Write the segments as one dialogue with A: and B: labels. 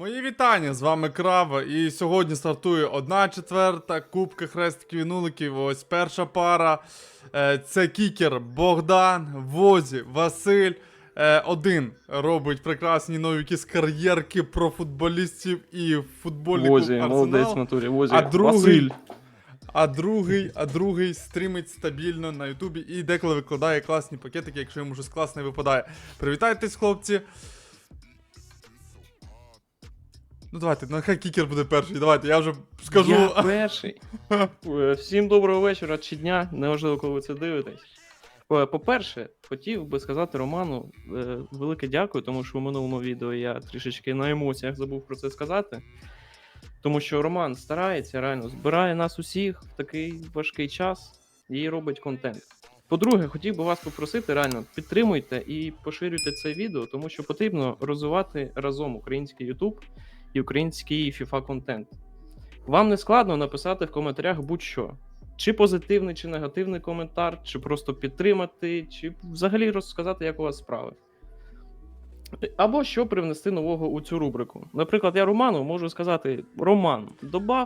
A: Мої вітання, з вами Крава, і сьогодні стартує 1/4 Кубка Хрестиків і Нуликів. Ось перша пара, це кікер Богдан, Возі, Василь. Один робить прекрасні нові якісь кар'єрки про футболістів і футбольний клуб
B: Возі, молодець в натурі, Возі,
A: Василь.
B: Василь.
A: А другий стрімить стабільно на Ютубі і деколи викладає класні пакетики, якщо йому щось класне випадає. Привітайтесь, хлопці. Ну давайте, нехай кікер буде перший, давайте, я вже скажу.
B: Я перший. Всім доброго вечора чи дня, неважливо, коли ви це дивитесь. По-перше, хотів би сказати Роману велике дякую, тому що у минулому відео я трішечки на емоціях забув про це сказати. Тому що Роман старається, реально, збирає нас усіх в такий важкий час і робить контент. По-друге, хотів би вас попросити, реально, підтримуйте і поширюйте це відео, тому що потрібно розвивати разом український YouTube і український FIFA контент. Вам не складно написати в коментарях будь-що. Чи позитивний, чи негативний коментар, чи просто підтримати, чи взагалі розказати, як у вас справи. Або що привнести нового у цю рубрику. Наприклад, я Роману можу сказати: Роман, добав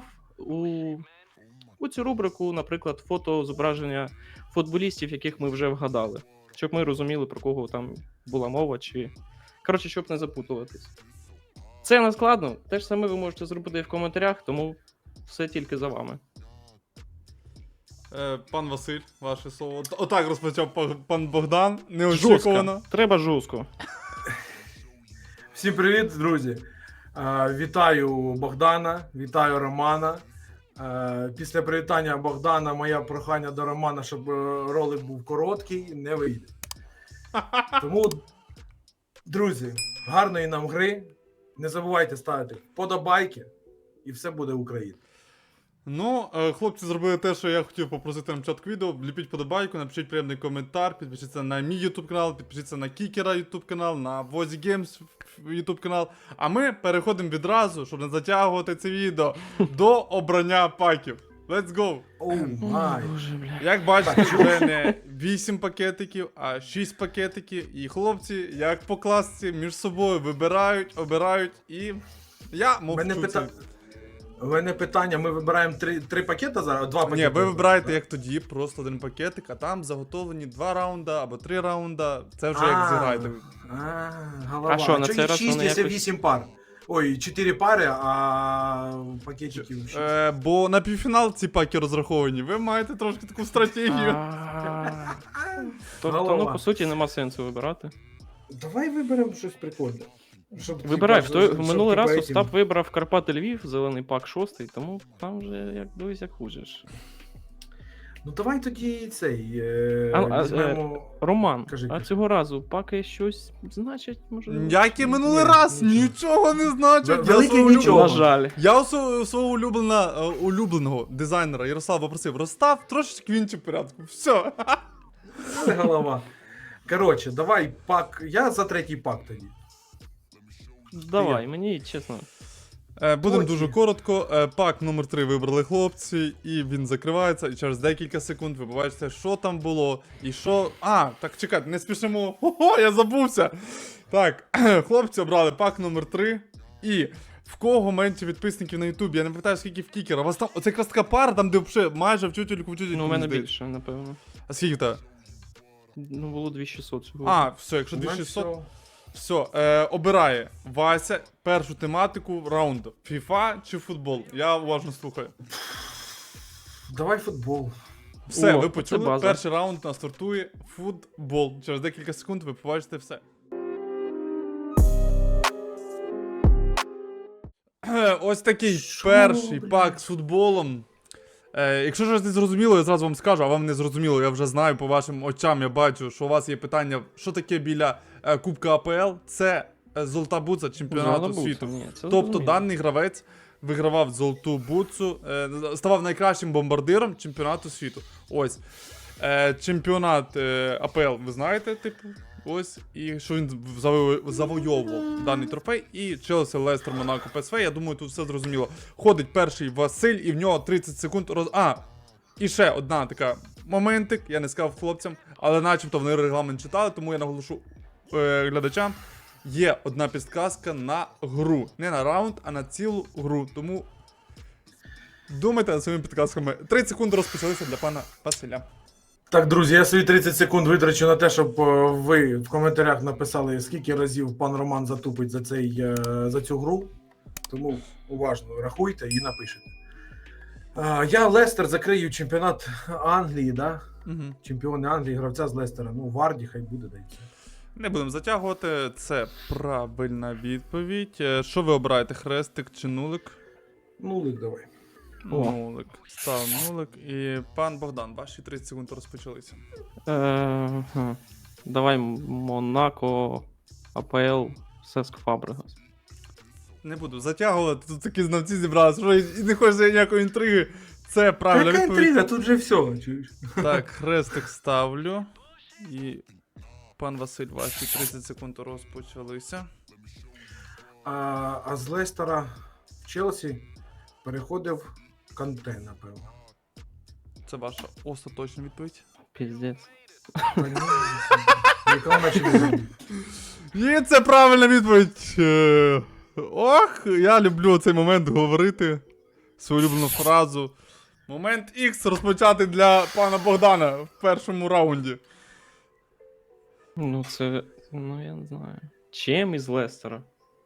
B: у цю рубрику, наприклад, фото зображення футболістів, яких ми вже вгадали. Щоб ми розуміли, про кого там була мова, чи... Коротше, щоб не запутуватись. Це не складно, те ж саме ви можете зробити і в коментарях, тому все тільки за вами.
A: Пан Василь, ваше слово. Отак розпочав пан Богдан, неочікувано.
B: Жорстко. Треба жорстко.
C: Всім привіт, друзі! Вітаю Богдана, вітаю Романа. Після привітання Богдана моє прохання до Романа, щоб ролик був короткий, не вийде. Тому, друзі, гарної нам гри. Не забувайте ставити вподобайки, і все буде Україна.
A: Ну, хлопці зробили те, що я хотів попросити на початку відео. Ліпіть подобайку, напишіть приємний коментар, підпишіться на мій YouTube канал, підпишіться на Кікера YouTube канал, на Возі Games YouTube канал. А ми переходимо відразу, щоб не затягувати це відео, до обрання паків. Let's go!
C: Оу май!
A: Як бачите, вже не 8 пакетиків, а 6 пакетиків. І хлопці, як по класці, між собою вибирають, обирають і... Я мовчу.
C: У мене питання, ми вибираємо три пакети зараз, два пакети?
A: Ні, ви вибираєте як тоді, просто один пакетик, а там заготовлені 2 раунда або 3 раунда. Це вже як зіграєте.
C: Голова.
B: А що, на цей раз
C: 6,
B: вони
C: якщо
B: якось-
C: 8 пар? Ой, 4 пари, а пакетиків 6.
A: Бо на півфінал ці паки розраховані, ви маєте трошки таку стратегію.
B: Тобто,
C: Голова.
B: ну, по суті, нема сенсу вибирати.
C: Давай виберемо щось прикольне. Щоб,
B: Вибирай,
C: типа, щоб,
B: минулий раз
C: типа,
B: Остап вибрав Карпати Львів, зелений пак 6, тому там вже як дивись, як хочеш.
C: Ну давай тоді цей. Візьмемо...
B: Роман,
C: Кажи,
B: а
C: кажи.
B: цього разу паки щось значить, може?
A: Як і минулий
C: Ні,
A: раз,
C: нічого.
A: нічого не значить.
C: Велике
A: свого
C: нічого.
B: На жаль.
A: Я у свого улюбленого дизайнера Ярослава попросив: розстав трошечки в іншому порядку. Все.
C: Це голова. Коротше, давай пак. Я за третій пак тоді.
B: Давай, мені чесно.
A: Будемо
C: Потім.
A: дуже коротко. Пак номер 3 вибрали хлопці, і він закривається, і через декілька секунд ви побачите, що там було, і що... Так, чекайте, не спішимо. Ого, я забувся! Так, хлопці обрали пак номер 3, і в кого менше підписників на Ютубі? Я не пам'ятаю, скільки в Кікера. У вас там, оце якраз така пара, там де взагалі майже в тютельку
B: Ну, у мене більше, напевно.
A: А скільки в тебе?
B: Ну, було 2600 сьогодні.
A: Все, якщо
C: У мене
A: 2600...
C: все.
A: Все, обирає Вася першу тематику раунду. FIFA чи футбол? Я уважно слухаю.
C: Давай футбол.
A: Все,
B: О,
A: ви
B: це
A: почули,
B: база.
A: перший раунд у нас стартує футбол. Через декілька секунд ви побачите все. Ось такий перший пак з футболом. Якщо щось не зрозуміло, я зразу вам скажу, а вам не зрозуміло, я вже знаю по вашим очам, я бачу, що у вас є питання, що таке біля Кубка АПЛ. Це золота буца чемпіонату
B: Золота
A: світу.
B: буца, ні, це
A: Тобто
B: зрозуміло.
A: даний гравець вигравав золоту буцу, ставав найкращим бомбардиром чемпіонату світу. Ось. Чемпіонат АПЛ, ви знаєте, типу, ось, і що він завойовував даний трофей, і Челсі, Лестер, Монако, ПСВ, я думаю, тут все зрозуміло. Ходить перший Василь, і в нього 30 секунд і ще одна така моментик, я не сказав хлопцям, але начебто вони регламент читали, тому я наголошу глядачам. є одна підказка на гру. Не на раунд, а на цілу гру. Тому думайте над своїми підказками. 30 секунд розпочалися для пана Василя.
C: Так, друзі, я свої 30 секунд витрачу на те, щоб ви в коментарях написали, скільки разів пан Роман затупить за цю гру. Тому уважно рахуйте і напишете. Я Лестер закрию чемпіонат Англії, да?
A: Угу.
C: Чемпіони Англії, гравця з Лестера. Ну, Варді, хай буде, дайте.
A: Не будемо затягувати. Це правильна відповідь. Що ви обираєте? Хрестик чи нулик?
C: Нулик давай.
A: Нулик. Став нулик. І пан Богдан, ваші 30 секунд розпочалися.
B: Давай Монако, АПЛ, Сеск Фабрегас.
A: Не буду затягувати, тут такі знавці зібралися, що і не хочеться ніякої інтриги. Це правильна
C: Яка
A: відповідь.
C: інтрига, тут вже все. Чуєш?
A: Так, хрестик ставлю. І пан Василь, ваші 30 секунд розпочалися.
C: А з Лестера в Челсі переходив Канте, напевно.
A: Це ваша остаточна відповідь.
B: Піздець.
C: Яка вона через
A: І це правильна відповідь. Ох, я люблю цей момент говорити. Свою улюблену фразу. Момент X розпочати для пана Богдана в першому раунді.
B: Ну це. Ну я не знаю. Чим із Лестера?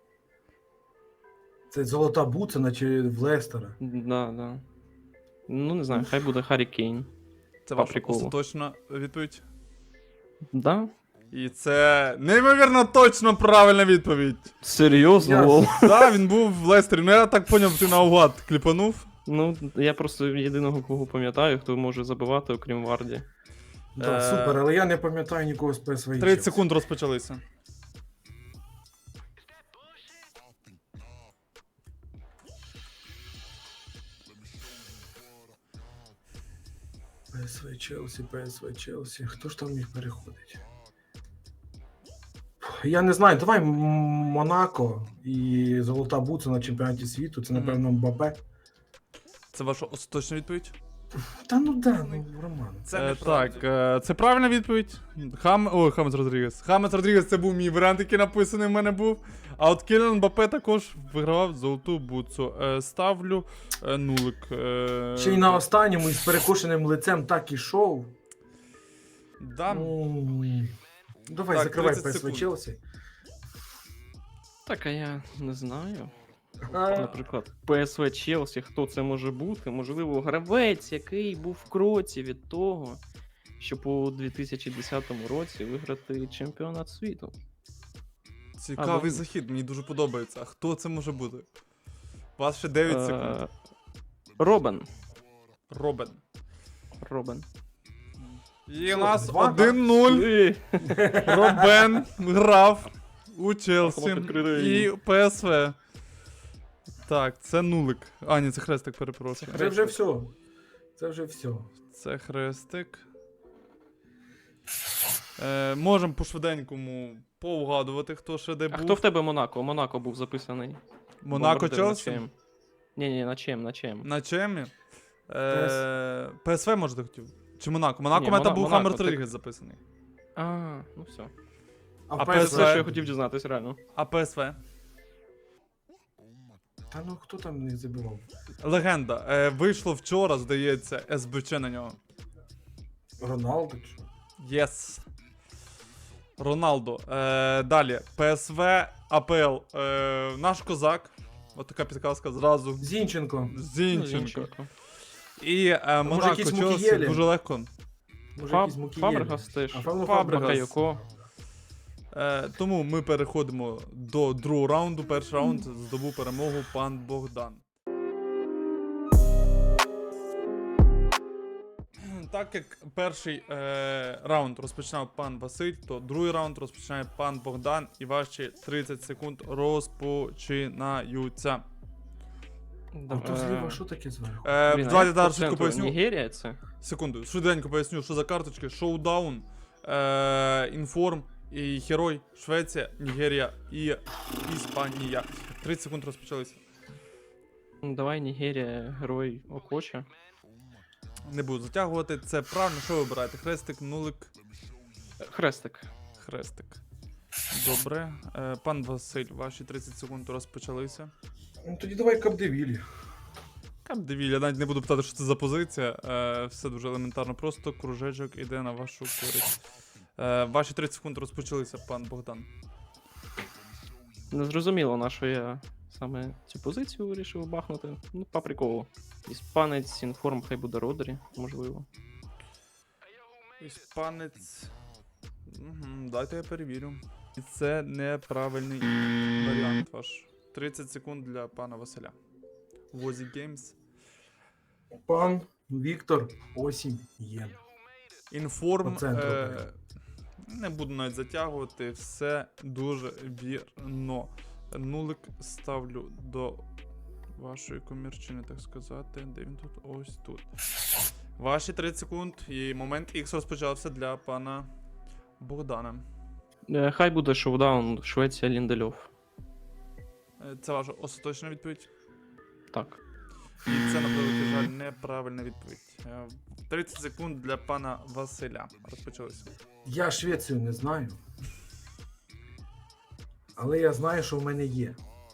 C: Це золота буцина чи в Лестера?
B: Да. Ну не знаю, хай буде Харі Кейн.
A: Це
B: По
A: ваша
B: приколу.
A: остаточна відповідь.
B: Да?
A: І це неймовірно точно правильна відповідь.
B: Серйозно?
C: Я-
B: Лол?
A: Так, він був в Лестері. Ну я так поняв, ти наугад кліпанув.
B: Ну, я просто єдиного кого пам'ятаю, хто може забивати, окрім Варді.
C: Да, супер, але я не пам'ятаю нікого з ПСВ.
A: 30 секунд розпочалися.
C: ПСВ Челсі. Хто ж там міг переходить? Я не знаю, давай Монако і золота буцина на чемпіонаті світу, це, напевно, Мбаппе.
A: Це ваша остаточна відповідь?
C: Та ну да, ну Роман.
A: Так, це правильна відповідь. Хамес Родрігес. Хамес Родрігес це був мій варіант, який написаний в мене був. А от Кіліан Мбаппе також вигравав золоту буцу. Ставлю нулик.
C: Ще й на останньому із перекошеним лицем так ішов.
A: Да.
C: Давай,
A: Так,
C: закривай
A: 30
C: ПСВ
A: секунд.
C: Челсі.
B: Так, а я не знаю.
C: А,
B: Наприклад, ПСВ Челсі, хто це може бути? Можливо, гравець, який був в кроці від того, щоб у 2010 році виграти чемпіонат світу.
A: Цікавий
B: Або-
A: захід, мені дуже подобається. А хто це може бути? У вас ще 9 секунд.
B: Робен.
A: Робен. І
C: Що,
A: у нас
C: 2,
A: 1-0.
B: Ей,
A: Робен грав у Челсі
B: Хлопець відкритий.
A: і ПСВ. Так, це нулик. А, ні, це хрестик, перепрошую.
C: Це вже все. Це вже все.
A: Це хрестик. Можемо по швиденькому повгадувати, хто ще де
B: А
A: був.
B: хто в тебе Монако? Монако був записаний.
A: Монако
B: Бомбардир на
A: Челсі?
B: ЧМ. Ні, на ЧМ.
A: На чемі? ПСВ, може, ти хотів? Чи Монако? Монако
B: Ні,
A: у мене там був
B: Монако,
A: Хаммер
B: так.
A: Родрігес записаний.
B: А, ну все.
A: А
B: Це
A: PSV?
B: все, що я хотів дізнатися, реально.
A: А ПСВ?
C: Та ну хто там не забивав?
A: Легенда. Вийшло вчора, здається, СБЧ на нього.
C: Роналдо чи?
A: Єс. Роналдо. Далі. ПСВ, АПЛ. Наш козак. От така підказка зразу.
C: Зінченко.
B: Ну,
A: Зінченко. І Монако
C: якісь
A: Челсі
C: Мукієлі?
A: дуже легко.
C: Може, якісь Мукієлі?
B: Фабрегас теж.
C: А Фабрегас.
B: Бакайоко.
A: Тому ми переходимо до другого раунду. Перший раунд здобув перемогу пан Богдан. Так як перший раунд розпочинав пан Василь, то другий раунд розпочинає пан Богдан, і ваші 30 секунд розпочинаються.
C: А то зліва що таке зверху?
A: Давайте зараз швидко поясню.
B: Нігерія це?
A: Секунду, швиденько поясню, що за карточки. Шоудаун, Інформ, і Герой, Швеція, Нігерія і Іспанія. 30 секунд розпочалися.
B: Ну, давай Нігерія, герой Окоча.
A: Не буду затягувати. Це правильно, що ви обираєте? Хрестик, нулик,
B: Хрестик.
A: хрестик. Добре. Пан Василь, ваші 30 секунд розпочалися.
C: Ну тоді давай Капдевілі.
A: Капдевіль, я навіть не буду питати, що це за позиція. Все дуже елементарно просто. Кружечок іде на вашу користь. Ваші 30 секунд розпочалися, пан Богдан.
B: Не зрозуміло, на що я саме цю позицію вирішив бахнути. Ну, по приколу. Іспанець, інформ, хай буде Родрі, можливо.
A: Іспанець. Дайте я перевірю. І це неправильний варіант ваш. 30 секунд для пана Василя. Возі Games.
C: Пан Віктор Осінь Єн.
A: Інформ.
C: По центру прямо.
A: Не буду навіть затягувати. Все дуже вірно. Нулик ставлю до вашої комірчини, так сказати. Де він тут? Ось тут. Ваші 30 секунд і момент X розпочався для пана Богдана.
B: Хай буде шоудаун Швеція Ліндельов.
A: Це ваша остаточна відповідь.
B: Так.
A: І це, на превеликий жаль, неправильна відповідь. 30 секунд для пана Василя. Розпочалися.
C: Я Швецію не знаю. Але я знаю, що в мене є.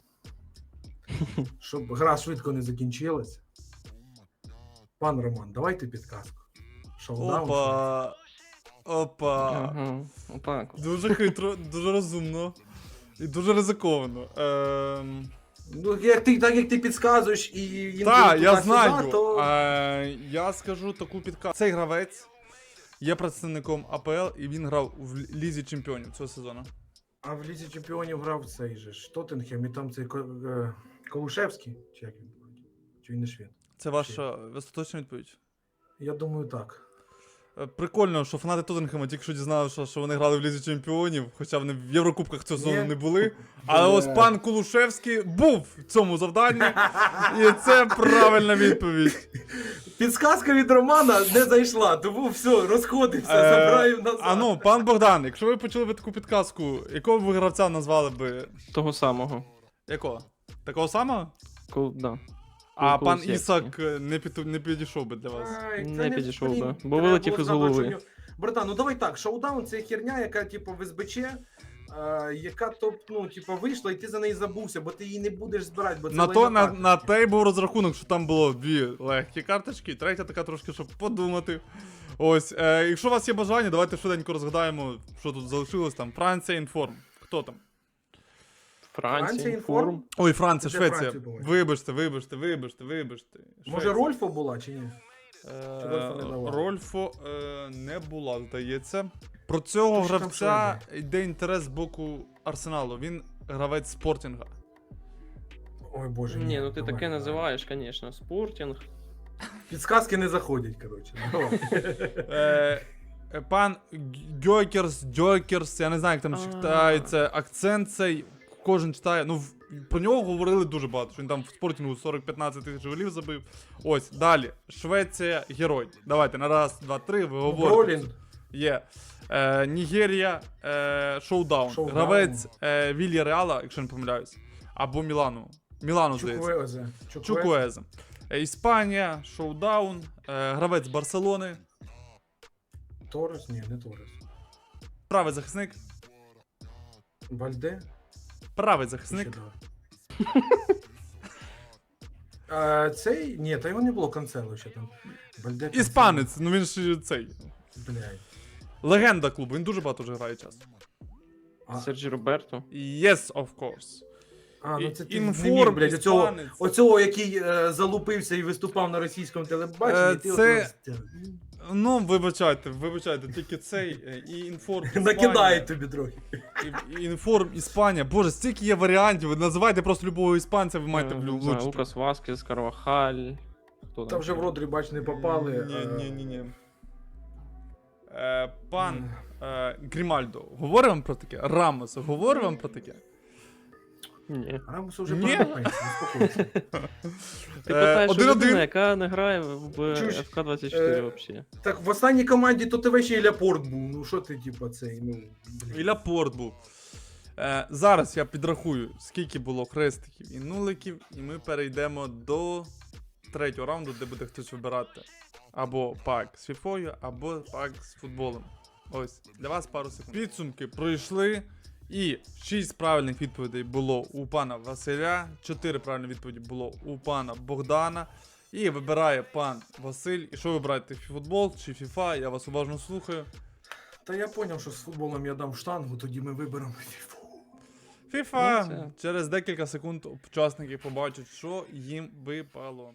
C: Щоб гра швидко не закінчилась. Пан Роман, давайте підказку. Шоудаун.
A: Опа.
B: Ага, отак. от.
A: Дуже хитро, дуже розумно. І дуже ризиковано.
C: Ну, так як ти підказуєш і їм
A: Так,
C: туди-сюди,
A: я знаю.
C: то...
A: Я скажу таку підказку. Цей гравець є представником АПЛ і він грав в Лізі Чемпіонів цього сезону.
C: А в Лізі Чемпіонів грав цей же ж Тоттенхем, і там цей Колушевський, чи як він? Чи він не швед?
A: Це ваша остаточна відповідь?
C: Я думаю, так.
A: Прикольно, що фанати Тоттенхема тільки що дізналися, що вони грали в Лізі Чемпіонів, хоча вони в Єврокубках цього сезону
C: Ні.
A: не були. Але ось пан Кулушевський був в цьому завданні, і це правильна відповідь.
C: Підсказка від Романа не зайшла, тому все, розходився, забираю назад.
A: А ну, пан Богдан, якщо ви почули би таку підказку, якого б ви гравця назвали би?
B: Того самого.
A: Якого? Такого самого?
B: Да.
A: А пан
B: Кулусевський.
A: Ісак не підійшов би для вас.
C: Ай, це
B: Не підійшов
C: блін,
B: би, бо
C: треба
B: вилетів
C: було
B: із
C: знати,
B: голови.
C: що в нього- Братан, ну давай так, шоудаун це херня, яка типу в СБЧ, яка вийшла, і ти за неї забувся, бо ти її не будеш збирати, бо це лайна карта.
A: На те й був розрахунок, що там було дві легкі карточки, третя така трошки, щоб подумати. Ось, якщо у вас є бажання, давайте швиденько розгадаємо, що тут залишилось там. Франція, інформ. Хто там?
B: Франція,
C: Франція,
B: інформ.
C: інформ.
A: Ой, Франція,
C: Де
A: Швеція.
C: Франція була?
A: Вибачте.
C: Може
A: Швеція.
C: Рольфо була чи ні? Чи Рольфо не давав?
A: Рольфо не була, здається. Про цього
C: Хто ж там
A: гравця йде інтерес з боку Арсеналу. Він гравець Спортінга.
C: Ой боже,
B: Ні, ну ти
C: давай,
B: таке
C: давай.
B: називаєш, звісно. Спортінг.
C: Підсказки не заходять, коротше. Давай.
A: Пан Дьокерс, я не знаю, як там читається, акцент цей, кожен читає. Ну, про нього говорили дуже багато, що він там в Спортінгу 40-15 тисяч голів забив. Ось, далі. Швеція, герой. Давайте, на раз, два, три, ви говорите.
C: Бролін.
A: Є. Нігерія, шоудаун.
C: Шоудаун.
A: Гравець Вілья Реала, якщо не помиляюсь. Або Мілану. Мілану, здається.
C: Чуквезе.
A: Чукуезе. Іспанія, шоудаун. Гравець Барселони.
C: Торres? Ні, не Торres.
A: Правий захисник.
C: Вальде?
A: Правий захисник.
C: Ще давай. Цей? Ні, та його не було Канцело ще там. Вальде, Канцело.
A: Іспанець, ну він ж цей.
C: Блядь.
A: Легенда клубу, він дуже багато вже грає часто.
C: А,
B: Серджі Роберто.
A: Yes, of course.
C: ну це ти
A: Інформ,
C: не міг, блядь,
A: іспанець.
C: оцього, який залупився і виступав на російському телебаченні, ти
A: це-
C: от
A: Ну, вибачайте, тільки цей і інформ. Іспанія.
C: накидають тобі трохи.
A: І інформ Іспанія. Боже, стільки є варіантів. Ви називайте просто любого іспанця, ви маєте
B: Не знаю,
A: влучити.
B: Лукас Васкес, Карвахаль. Хто
C: Там вже в Родрі, бач, не попали.
A: Ні. Пан Грімальдо, говорив вам про таке? Рамос, говорив вам про таке?
B: Ні.
C: Рамусу вже
A: Ні.
C: пора на пенсію, успокойся.
B: Ти питаєш, що
A: 1-1.
B: людина, яка не грає в
C: Чуєш,
B: ФК-24 взагалі.
C: Так, в останній команді то тебе ще і Ляпорт був. Ну що ти, типа, цей, ну. блін.
A: І Ляпорт був. Зараз я підрахую, скільки було хрестиків і нуликів, і ми перейдемо до третього раунду, де буде хтось вибирати або пак з фіфою, або пак з футболом. Ось, для вас пару секунд. Підсумки пройшли, І 6 правильних відповідей було у пана Василя, 4 правильні відповіді було у пана Богдана. І вибирає пан Василь. І що вибираєте, футбол чи FIFA? Я вас уважно слухаю.
C: Та я зрозумів, що з футболом я дам штангу, тоді ми виберемо фіфу.
A: FIFA.
B: Ну, це-
A: Через декілька секунд учасники побачать, що їм випало.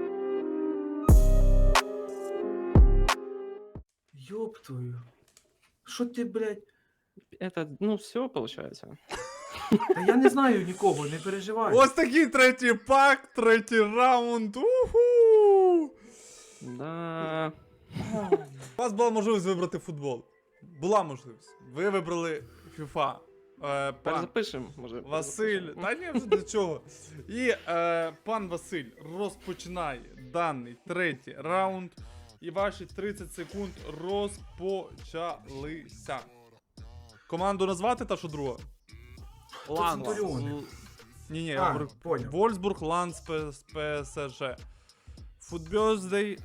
C: Йоп твою. Що ти, блядь?
B: Это, ну, все получается.
C: Та я не знаю нікого, не переживай.
A: Ось такий третій пак, третій раунд. Уху!
B: Да.
A: У вас була можливість вибрати футбол. Була можливість. Ви вибрали FIFA. Пан
B: Перезапишем, може.
A: Василь.
B: перезапишем.
A: Та ні, вже до чого. І пан Василь розпочинає даний третій раунд. І ваші 30 секунд розпочалися. Команду назвати та що друга? Ланс.
C: Центуріони.
A: Ні, я
C: А,
A: говорю.
C: поняв.
A: Вольсбург, Ланс, ПСЖ. Футбьоздей,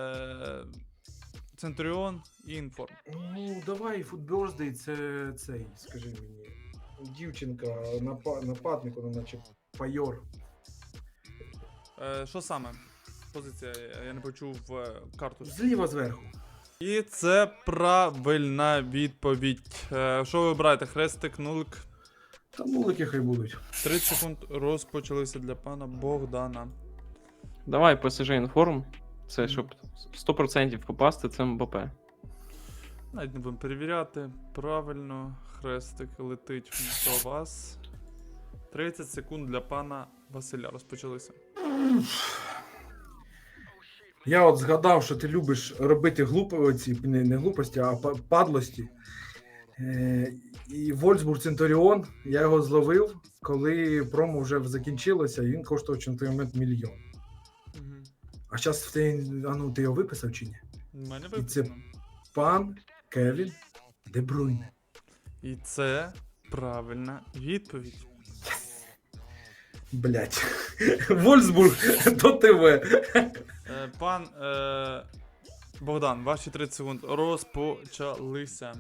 A: Центуріон і Інформ.
C: Ну, давай, футберздей, це цей, скажи мені. Дівчинка, нападник, вона наче пайор.
A: Що саме? Позиція, я не почув карту.
C: Зліва зверху.
A: І це правильна відповідь. Що ви вибираєте? Хрестик, нулик.
C: Та нулики хай будуть.
A: 30 секунд розпочалися для пана Богдана.
B: Давай ПСЖ інформ. Це щоб 100% попасти, це МБП.
A: Навіть не будемо перевіряти. Правильно, хрестик летить до вас. 30 секунд для пана Василя розпочалися.
C: Я от згадав, що ти любиш робити оці, не глупості, а падлості. І Вольсбург Центуріон, я його зловив, коли промо вже закінчилося, і він коштував на той момент 1 мільйон. А зараз ти його виписав чи ні?
A: У мене
C: І це-
A: виписано.
C: Пан Кевін Де Брuyне.
A: І це правильна відповідь.
C: Блять. Вольсбург до ТВ.
A: Пан Богдан, ваші 30 секунд розпочалися.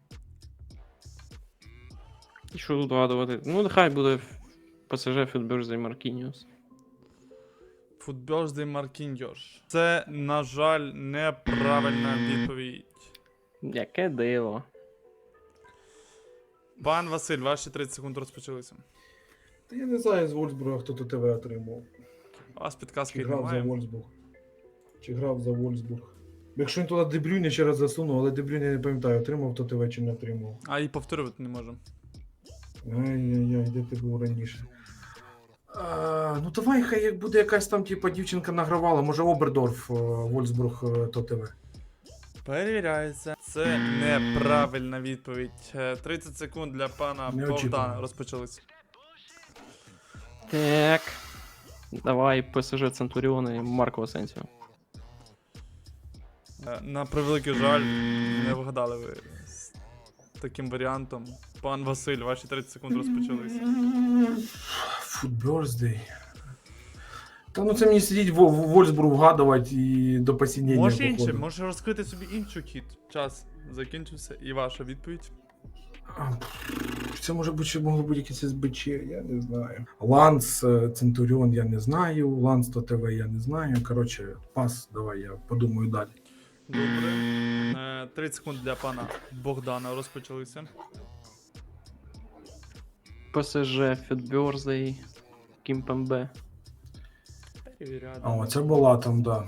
B: І що тут вгадувати? Ну, нехай буде ПСЖ Фітберзей Маркініус.
A: Футбьоздей Маркіньош. Це, на жаль, неправильна відповідь.
B: Яке диво.
A: Пан Василь, ваші 30 секунд розпочалися.
C: Та я не знаю з Вольсбурга, хто тут ТВ отримав.
A: У вас підказки
C: Чи грав за
A: немає.
C: Вольсбург. Чи грав за Вольсбург. Якщо він туди Де Брюйне ще раз засунув, але Де Брюйне я не пам'ятаю, отримав то ТВ чи не отримав.
A: А і повторювати не можемо.
C: Ай-яй-яй, де ти був раніше? Ну давай, хай як буде якась там, типа, дівчинка награвала, може Обердорф, Вольсбург, то ТВ.
A: Перевіряється. Це неправильна відповідь. 30 секунд для пана
C: Неочікувано.
A: Богдана розпочалися.
B: Так. Давай ПСЖ Центуріон і Марко Асенсіо.
A: На превеликий жаль, не вгадали ви з таким варіантом. Пан Василь, ваші 30 секунд розпочалися.
C: Футберздей. Та ну це мені сидіть в Вольсбург вгадувати і до посінення.
A: Може інше,
C: походу.
A: може розкрити собі іншу кіт. Час закінчився і ваша відповідь.
C: Це може бути, ще могло бути якесь СБЧ, я не знаю. Ланс, Центуріон я не знаю, Ланс то ТВ я не знаю. Коротше, пас, давай я подумаю далі.
A: Добре. 30 секунд для пана Богдана розпочалися.
B: ПСЖ Фітберзей Кімпембе.
A: Перевіряти.
C: О, це була там, да.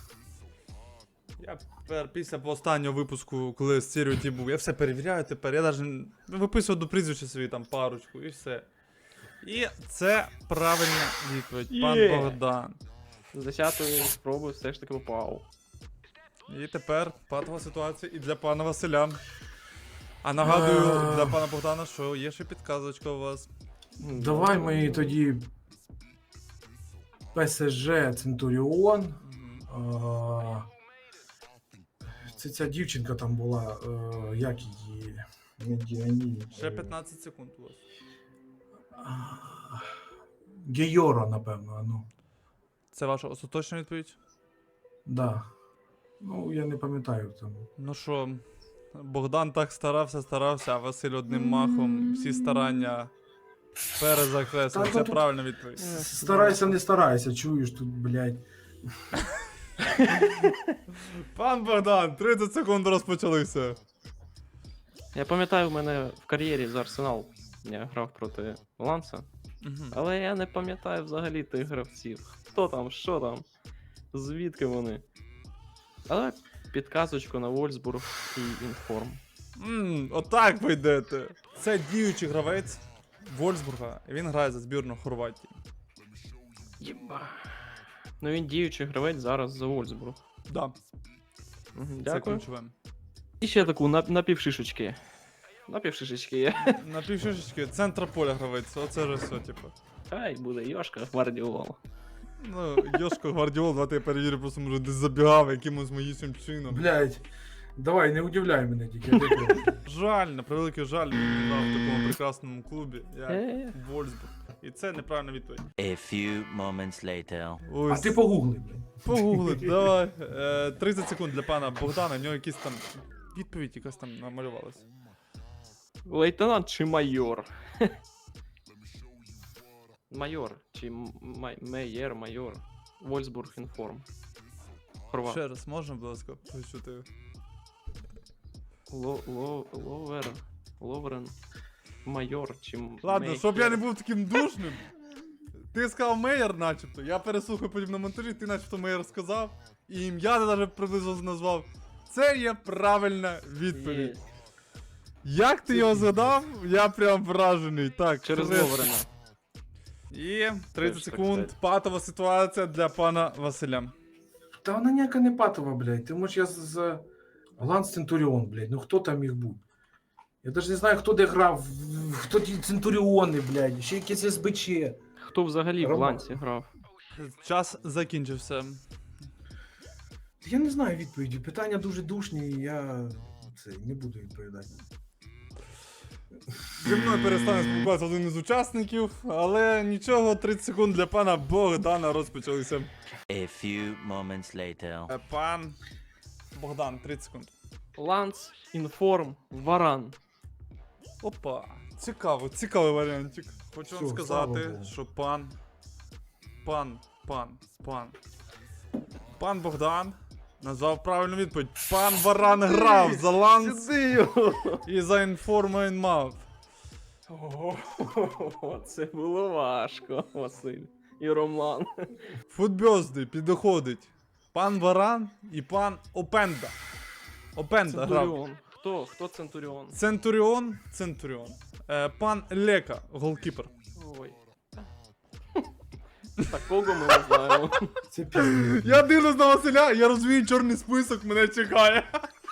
A: Я після останнього випуску, коли стереотип був, я все перевіряю тепер. Я навіть виписую до прізвища собі там парочку і все. І це правильна відповідь, пан
B: Є.
A: Богдан.
B: З 10-ї спроби все ж таки попав.
A: І тепер патова ситуація і для пана Василя. А нагадую для пана Богдана, що є ще підказочка у вас.
C: Давай ми тоді ПСЖ Центуріон.
A: Мгм.
C: Це ця дівчинка там була, як її? Не Діані.
A: Ще 15 секунд у вас.
C: Гейора, напевно, ну.
A: Це ваша остаточна відповідь?
C: Да. Ну, я не пам'ятаю там.
A: Ну що, Богдан так старався, а Василь одним махом всі старання перезакреслив.
C: Та
A: Це
C: тут-
A: правильна відповідь.
C: Старайся, не старайся, чуєш тут, блядь.
A: Пан Богдан, 30 секунд розпочалися.
B: Я пам'ятаю, в мене в кар'єрі за Арсенал я грав проти Ланса, але я не пам'ятаю взагалі тих гравців. Хто там, що там, звідки вони. Але підказочку на Вольсбург і Інформ.
A: Отак ви йдете. Це діючий гравець Вольсбурга, і він грає за збірну Хорватії.
B: Єба. Ну він діючий гравець зараз за Вольсбург.
A: Да,
B: Мгм,
A: це
B: Дякую.
A: ключове.
B: І ще таку напівшишечки. Напівшишечки є.
A: На півшишечки центра поля гравець, оце ж все, типу.
B: Хай буде Йошка Гвардіол.
A: Ну, Йошко Гвардіол, давайте я перевірю, просто може десь забігав якимось моїм чином.
C: Блядь. Давай, не удивляй мене тільки. я тебе прошу.
A: Жаль, на превеликий жаль, він грав в такому прекрасному клубі, як
B: Е.
A: Вольсбург. І це неправильна відповідь.
D: A few moments later.
C: А
A: Ось,
C: ти погугли, блядь.
A: погугли, давай. 30 секунд для пана Богдана, в нього якісь там відповідь якась там намалювалась.
B: Лейтенант чи майор? Майор. Чи майор. Вольсбург Інформ. Хорват.
A: Ще раз, можна, будь ласка, почути?
B: Ловрен. Майор чи
A: Ладно,
B: Мейер.
A: щоб я не був таким душним. Ти сказав Мейер, начебто. Я переслухаю потім на монтажі, ти начебто Мейер сказав. І ім'я ти навіть приблизно назвав. Це є правильна відповідь.
B: Є.
A: Як ти його згадав, я прям вражений. Так,
B: Через
A: Леврена.
B: Ловрена.
A: І 30
B: Теж так
A: секунд.
B: сказати.
A: Патова ситуація для пана Василя.
C: Та вона ніяка не патова, блядь. Ти можеш я з Ланс Центуріон, блядь. Ну хто там міг бути? Я навіть не знаю, хто де грав, хто ті Центуріони, блядь, ще якесь СБЧ.
B: Хто взагалі в
C: Рома.
B: ланці грав?
A: Час закінчився.
C: Я не знаю відповіді. Питання дуже душні, і я не буду відповідати.
A: Зі мною перестане спілкуватися один із учасників, але нічого, 30 секунд для пана Богдана розпочалися.
D: A few moments later.
A: Пан Богдан, 30 секунд.
B: Ланц, Інформ, Варан.
A: Опа, цікавий варіантик. Хочу вам
C: Всё, слава
A: сказати,
C: Богу.
A: що пан Богдан назвав правильну відповідь. Пан Варан грав за Ланс і за Інформ мав.
B: О, це було важко, Василь. І Роман.
A: Футбьозди підходить пан Варан і пан Опенда. Опенда грав.
B: Центуріон. Хто Центуріон?
A: Центуріон. Пан Лека, голкіпер.
B: Ой. Такого ми не знаємо.
C: Це пізно.
A: Я дивлюсь на Василя, я розумію, чорний список мене чекає.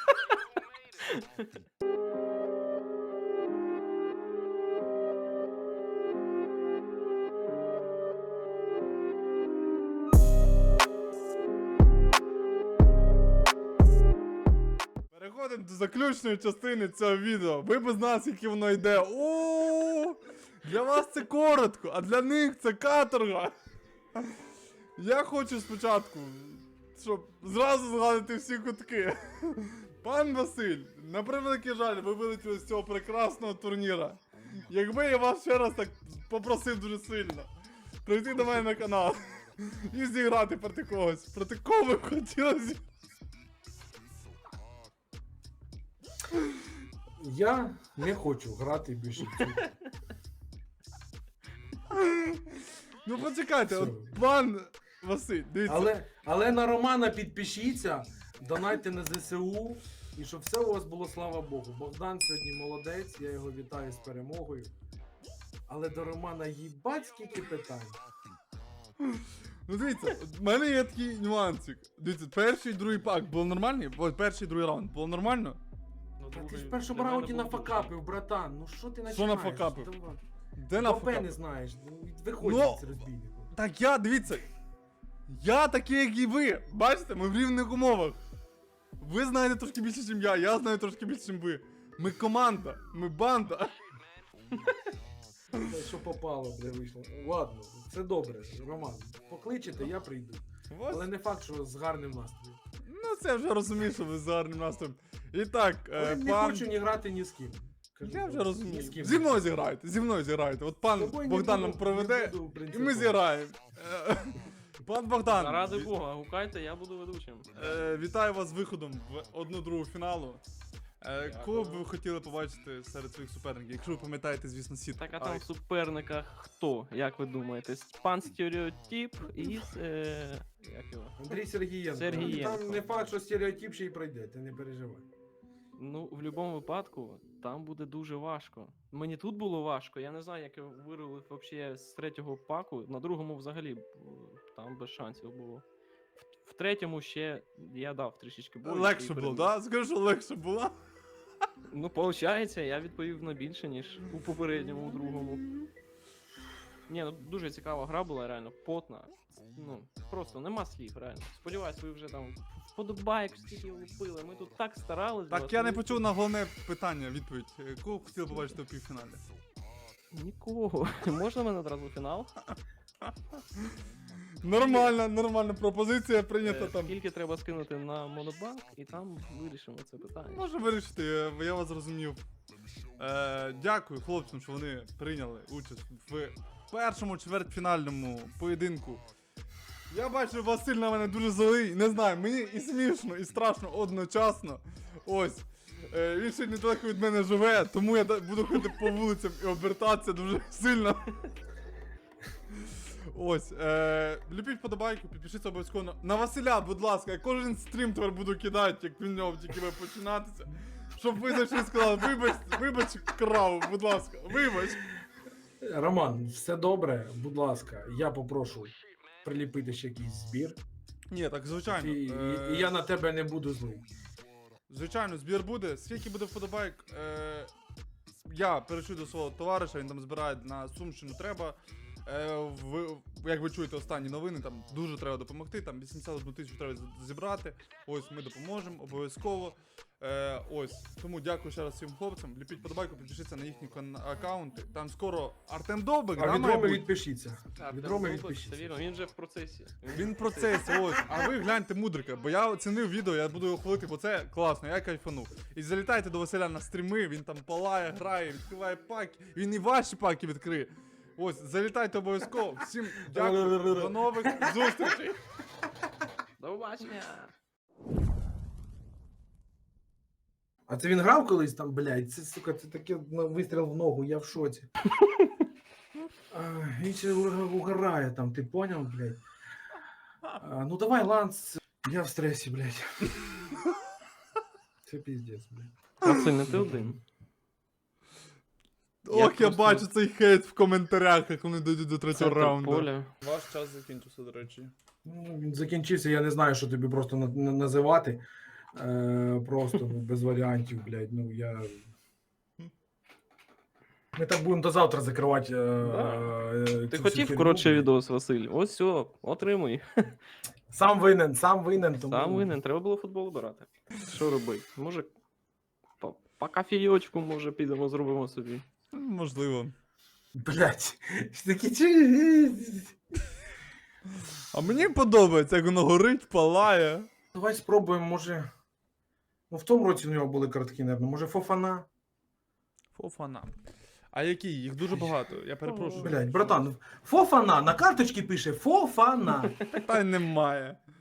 A: Переходимо до заключної частини цього відео. Ви б знали, скільки воно йде. О, для вас це коротко, а для них це каторга. Я хочу спочатку, щоб зразу згадати всі кутки. Пан Василь, на превеликий жаль, ви вилетіли з цього прекрасного турніра. Якби я вас ще раз так попросив дуже сильно прийти до мене на канал і зіграти проти когось. Проти кого ви б хотіли зіграти?
C: Я не хочу грати більше в цю.
A: Ну почекайте,
C: Все.
A: от пан Василь, дивіться.
C: Але на Романа підпишіться, донайте на ЗСУ, і щоб все у вас було, слава Богу. Богдан сьогодні молодець, я його вітаю з перемогою. Але до Романа їбать скільки питань.
A: Ну дивіться, в мене є такий нюансик. Дивіться, перший і другий пак було нормально? Ой, перший і другий раунд було нормально?
C: Та ти ж в першому раунді нафакапив, братан. Ну що ти починаєш?
A: Що нафакапив?
C: Давай.
A: Де на
C: Бабе не
A: факап?
C: знаєш. Виходь
A: Ну,
C: з розбійником.
A: Так я, дивіться. Я такий, як і ви. Бачите, ми в рівних умовах. Ви знаєте трошки більше, ніж я знаю трошки більше, ніж ви. Ми команда, ми банда.
C: Та що попало, бля, вийшло. Ладно, це добре, Роман. Покличете, я прийду.
A: Ось.
C: Але не факт, що з гарним настроєм.
A: Ну, це я вже розумію, що ви з гарним настроєм. І так,
C: Але не
A: пан...
C: хочу ні грати ні з ким. Кажу,
A: Я вже
C: ні
A: розумію.
C: з ким.
A: Зі мною зіграйте, зі мною зіграйте. От
C: З
A: пан
C: тобою не
A: Богдан нам
C: буду,
A: проведе,
C: не буду
A: і
C: принципово.
A: ми зіграємо. Пан Богдан,
B: Заради Бога, гукайте, я буду ведучим.
A: вітаю вас з виходом в 1/2 фіналу. Кого б
B: Дякую.
A: ви хотіли побачити серед своїх суперників, якщо ви пам'ятаєте, звісно, сіт.
B: Так, а там в суперниках хто, як ви думаєте? Пан Стереотип із... як його?
C: Андрій Сергієнко.
B: Сергієнко.
C: Там не факт, що стереотип ще й пройде, ти не переживай.
B: Ну, в будь-якому випадку, там буде дуже важко. Мені тут було важко, я не знаю, як я вирулив вообще з третього паку. На другому взагалі там без шансів було. В третьому ще я дав трішечки бою.
A: Легше
B: і
A: було,
B: переміг.
A: да? Скажу, що легше було.
B: Ну, виходить, я відповів на більше, ніж у попередньому, у другому. Ні, ну дуже цікава гра була, реально, потна. Ну, просто нема слів, реально. Сподіваюсь, ви вже там вподобайк, скільки лупили. Ми тут так старались. для
A: Так,
B: вас,
A: я не
B: ви
A: почув на головне питання, відповідь. Кого б хотіли побачити в півфіналі?
B: Нікого. Можна мене одразу в фінал?
A: Нормальна пропозиція прийнята там.
B: Скільки треба скинути на монобанк, і там вирішимо це питання.
A: Може вирішити, я вас зрозумів. Дякую хлопцям, що вони прийняли участь в першому чвертьфінальному поєдинку. Я бачу, Василь на мене дуже злий, не знаю, мені і смішно, і страшно одночасно. Ось. Він ще недалеко від мене живе, тому я буду ходити по вулицям і обертатися дуже сильно. Ось, ліпіть вподобайку, підпишіться обов'язково на Василя, будь ласка, я кожен стрім тепер буду кидати, як він в нього тільки буде починатися. Щоб ви зайшли і сказали, вибач краву, будь ласка, вибач.
C: Роман, все добре, будь ласка, я попрошу приліпити ще якийсь збір.
A: Ні, так звичайно.
C: І я на тебе не буду злий.
A: Звичайно, збір буде. Скільки буде вподобайк, я перейшов до свого товариша, він там збирає на Сумщину треба. Як ви чуєте останні новини, там дуже треба допомогти, там 81 тисячу треба зібрати. Ось ми допоможемо, обов'язково. Ось, тому дякую ще раз всім хлопцям. Ліпіть вподобайку, підпишіться на їхні аккаунти. Там скоро Артем Довбик,
C: А
A: да,
C: від
A: має
C: Роми
A: бути?
C: відпишіться.
B: Так,
C: Від
B: там
C: Роми
B: Робот, це
C: відпишіться.
B: вірно, він вже в процесі.
A: Він в процесі, ось. А ви гляньте мудрика, бо я оцінив відео, я буду його хвалити, бо це класно, я кайфанув. І залітайте до Василя на стріми, він там палає, грає, відкриває паки, він і ваші паки відкриє. Ось, залітайте обов'язково. Всім дякую, до нових зустрічей.
B: До побачення!
C: А це він грав колись там, блядь, це, сука, це таке вистріл в ногу, я в шоці. Він ще угорає там, ти поняв, блядь? Ну давай, Ланс, я в стресі, блядь. Це піздець, блядь.
B: Василь, не ти один.
A: Ох, я
B: просто-
A: бачу цей хейт в коментарях, як вони дійдуть до третього
B: Центр
A: раунду.
B: поля.
A: Ваш час закінчився, до речі.
C: Ну, він закінчився, я не знаю, що тобі просто називати. Просто ну, без варіантів, блядь. Ну я. Ми так будемо до завтра закривати.
B: Ти
C: цю
B: хотів
C: всю
B: коротше
C: фігню.
B: відос, Василь? Ось все, отримуй.
C: Сам винен. Тому...
B: Сам винен, треба було футбол брати. Що робити? Може, по кофійочку, може, підемо, зробимо собі.
A: Можливо.
C: Блядь. Такі чи.
A: А мені подобається, як воно горить, палає.
C: Давай спробуємо, може. Ну, в тому році у нього були картки, наверное. Може, Фофана.
A: Фофана. А які? Їх дуже багато, я перепрошую.
C: Блядь, братан, Фофана на карточці пише Фофана.
A: Питань немає.